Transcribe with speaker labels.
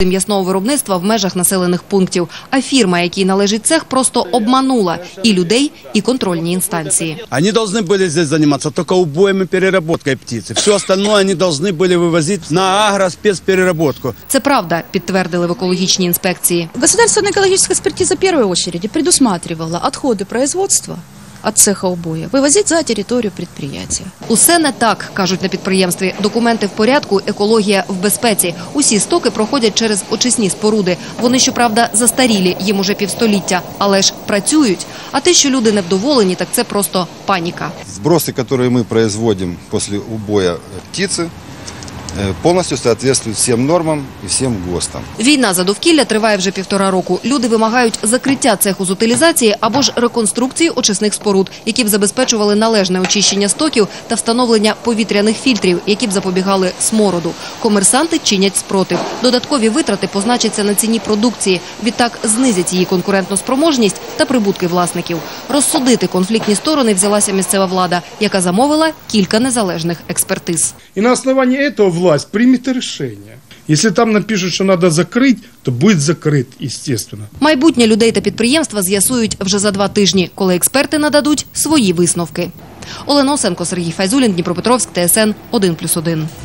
Speaker 1: м'ясного виробництва в межах населених пунктів. А фірма, якій належить цех, просто обманула і людей, і контрольні інстанції.
Speaker 2: Вони повинні були тут займатися тільки убоєм і переробкою птиці. Все остальне вони повинні були вивозити на агроспецпереработку.
Speaker 1: Це правда, підтвердили в екологічній інспекції.
Speaker 3: Государственная экологическая экспертиза в первую очередь предусматривала отходы производства от цеха убоя вывозить за територію предприятия.
Speaker 1: Усе не так, кажуть на підприємстві. Документи в порядку, екологія в безпеці. Усі стоки проходять через очисні споруди. Вони, щоправда, застарілі, їм уже півстоліття, але ж працюють. А те, що люди невдоволені, так це просто паніка.
Speaker 4: Сбросы, которые мы производим после убоя птицы, повністю відповідають всім нормам і всім ГОСТам.
Speaker 1: Війна за довкілля триває вже 1,5 року. Люди вимагають закриття цеху з утилізації або ж реконструкції очисних споруд, які б забезпечували належне очищення стоків та встановлення повітряних фільтрів, які б запобігали смороду. Комерсанти чинять спротив. Додаткові витрати позначаться на ціні продукції. Відтак знизять її конкурентну спроможність та прибутки власників. Розсудити конфліктні сторони взялася місцева влада, яка замовила кілька незалежних експертиз.
Speaker 5: И на основании этого власть примет решение. Если там напишут, что надо закрыть, то будет закрыт, естественно.
Speaker 1: Майбутнє людей та підприємства з'ясують вже за 2 тижні, коли експерти нададуть свої висновки. Олена Осенко, Сергій Файзулін, Дніпропетровськ, ТСН 1+1.